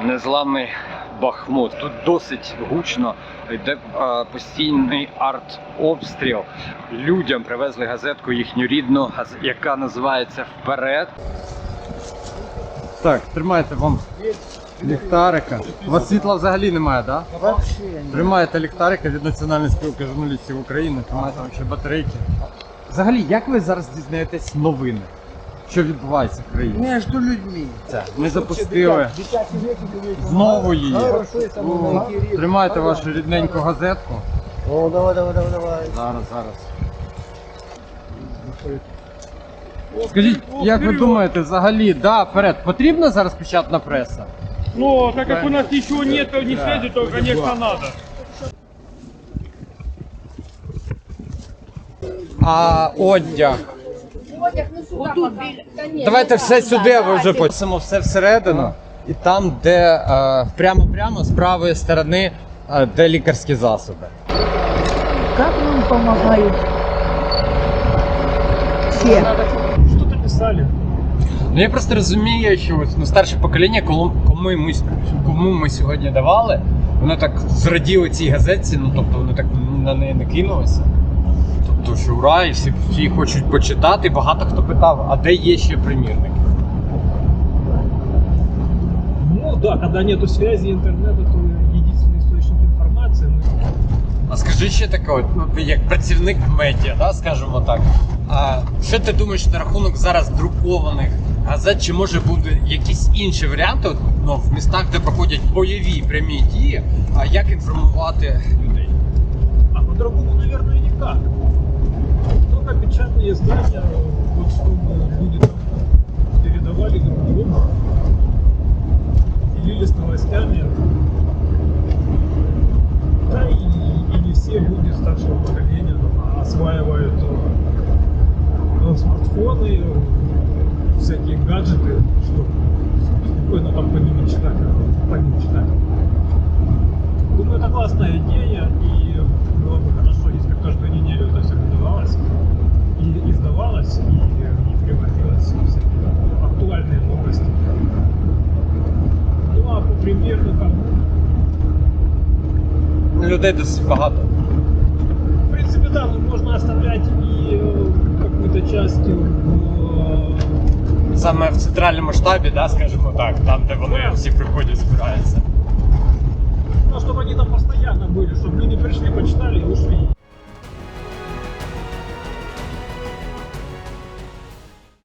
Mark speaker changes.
Speaker 1: незламний Бахмут. Тут досить гучно, йде постійний артобстріл. Людям привезли газетку їхню рідну, яка називається «Вперед». Так, тримайте вам ліхтарика. У вас світла взагалі немає, так? Да?
Speaker 2: Вообще ні.
Speaker 1: Тримаєте ліхтарика від Національної спілки журналістів України, тримаєте вам ще батарейки. Взагалі, як ви зараз дізнаєтесь новини? Що відбувається в країні?
Speaker 2: Між людьми.
Speaker 1: Ми запустили знову її. Тримайте вашу рідненьку газетку.
Speaker 2: О, давай.
Speaker 1: Зараз. Скажіть, як ви думаєте, взагалі, да, вперед, потрібна зараз печатна преса?
Speaker 3: Ну, так как у нас ничего нет, ни связи, то, конечно, надо.
Speaker 1: А одяг? Давайте все сюди, ви вже почнемо все всередину. І там, де прямо з правої сторони, де лікарські засоби.
Speaker 2: Как нам помогают все?
Speaker 3: Что-то писали.
Speaker 1: Ну я просто розумію, що ось, старше покоління, кому ми сьогодні давали, воно так зраділо цій газетці, ну тобто вони так на неї не кинулися. Тобто, що ура, і всі хочуть почитати. Багато хто питав, а де є ще примірники?
Speaker 3: Ну да, когда нету связи интернета, то единственный источник информации.
Speaker 1: А скажи ще таке, от, ну, ти як працівник медіа, да, скажімо так. А що ти думаєш на рахунок зараз друкованих газет, чи може бути якісь інші варіанти, от, ну, в містах, де проходять бойові прямі дії, а як інформувати людей?
Speaker 3: А по-другому, наверное, никак. Только печатные издания, вот чтобы люди там передавали друг другу, делились новостями. Да и не все люди старшего поколения осваивают смартфоны, всякие гаджеты, чтобы спокойно там по ним читать. Думаю, это классная идея, и было бы хорошо, если каждую неделю это все выдавалось и издавалось, и приводилось всякие актуальные новости. Ну а по примерникам,
Speaker 1: Людей досить багато.
Speaker 3: в принципе, да, но можно оставлять и какую-то часть
Speaker 1: Саме в центральному штабі, да, скажімо так, там, де вони всі приходять, збираються.
Speaker 3: ну, чтобы они там постоянно были, чтобы люди пришли, почитали и ушли.